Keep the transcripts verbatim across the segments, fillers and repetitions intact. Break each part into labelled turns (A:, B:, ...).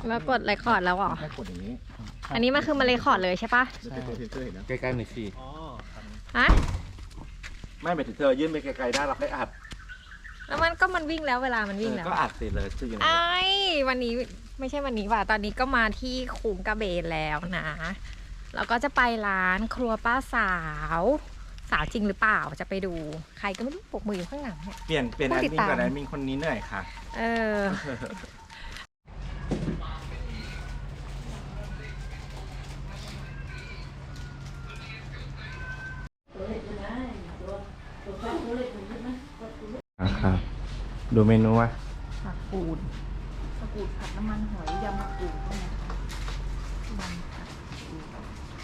A: แล้วกดเรคคอร์ดแล้วเหรอ
B: แค่กดอย่างนี้
A: อันนี้มันคือมันเรคคอร์ดเลยใช่ปะ
B: ใช่ตัวเซนเซอร์เห็นนะ
C: ใกล้ๆหน่อยสิ
B: อ๋อ
A: ฮะ
C: ไม่หมายถึงเธอยื่นไปไกลๆได้เราค่อยอัด
A: แล้วมันก็มันวิ่งแล้วเวลามันวิ่งแล้ว
C: ก็อัดสิเลยชื่อยังไง
A: ไอ้วันนี้ไม่ใช่วันนี้ว่ะตอนนี้ก็มาที่คุงกระเบนแล้วนะแล้วก็จะไปร้านครัวป้าสาวสาวจริงหรือเปล่าจะไปดูใครก็ไม่รู้ปกมืออยู่ข้างหลังเนี่ย
C: เปลี่ยนเปลี่ยน
A: ผู้
C: แอด
A: ติด
C: มิน
A: ตาม
C: กับแอดมินคนนี้เหนื่อยค่ะ
A: เออ
C: ครับดูเมนูวะ
A: ผักกูดผักกูดผัดน้ำมันหอยยำผักกูดนะคะยำผักกูด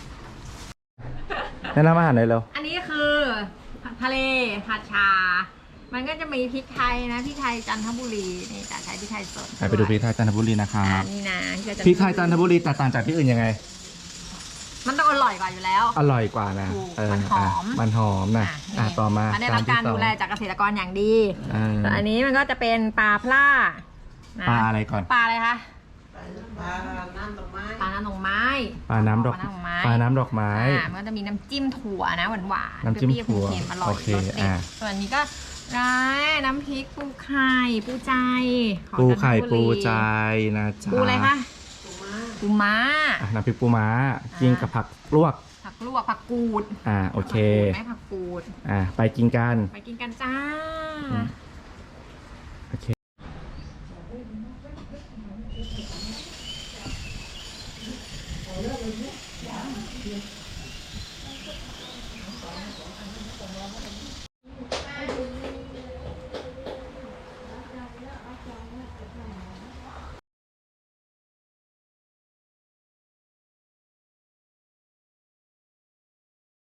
C: แนะนำอาหารหน่อยเร็ว
A: อันนี้คือผัดทะเลผัดชา มันก็จะมีพริกไทยนะพริกไทยจันทบุรีนี่จะใช้พริกไทยสด
C: ไปดูพริกไทยจันทบุรีนะครั
A: อ่า
C: บ
A: นี่นะ
C: พริกไทยจันทบุรีแตกต่างจากที่อื่นยังไง
A: มันต้องอร่อยกว่าอยู่แล้ว
C: อร่อยกว่านะ
A: ถูก
C: เออ
A: มันหอม
C: ะมันหอมนะ
A: อ่ะ
C: อ่ะ
A: นี่
C: ต่อมา
A: มันได้รับการ
C: จนที่สอง
A: ดูแลจากเกษตรกรอย่างดี
C: อ่า
A: ส่วนอันนี้มันก็จะเป็นปลาพล่านะ
C: ปลาอะไรก่อน
A: ปลาอะไรคะ
D: ปลาน้ำดอกไม้
A: ปลาน้ำดอกไม้
C: ปลาน้ำดอก
A: ปลาน้ำดอกไม้
C: ปลาน้ำดอกไม้
A: อ่ามันก็จะมีน้ำจิ้มถั่วนะหวานหวานๆ
C: น้ำจิ้ม
A: เปรี้ยวๆ
C: ถั่ว
A: เค็มๆอร่อย
C: โอเค
A: รสเด็ด
C: อ่า
A: ส่วนอันนี้ก็ร้ายน้ำพริกปูไข่ปูใจของ
C: ปูไข่
A: จันทบุรี
C: ปูใจนะจ๊ะ
A: ปูอะไรคะปูม้า
C: อ่ะน้ำพริกปูม้ากินกับผักลวก
A: ผักลวกผักกูด
C: อ่าโอเค
A: ผักกูดไหมผักกูด
C: อ่ะไปกินกัน
A: ไปกินกันจ้า
C: อืม